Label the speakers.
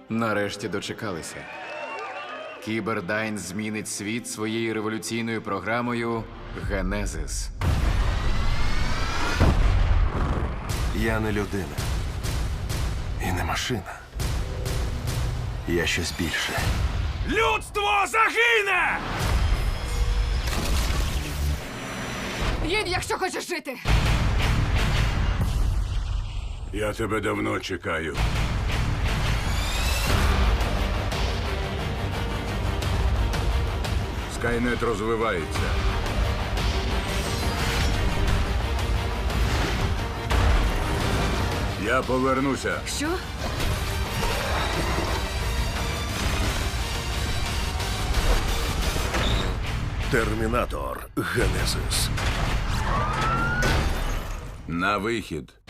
Speaker 1: Нарешті дочекалися. Кібердайн змінить світ своєю революційною програмою «Генезис».
Speaker 2: Я не людина. І не машина. Я щось більше.
Speaker 3: Людство загине!
Speaker 4: Їдь, якщо хочеш жити.
Speaker 3: Я тебе давно чекаю. Скайнет розвивається. Я повернуся.
Speaker 4: Що?
Speaker 2: Термінатор Генезис.
Speaker 3: На вихід.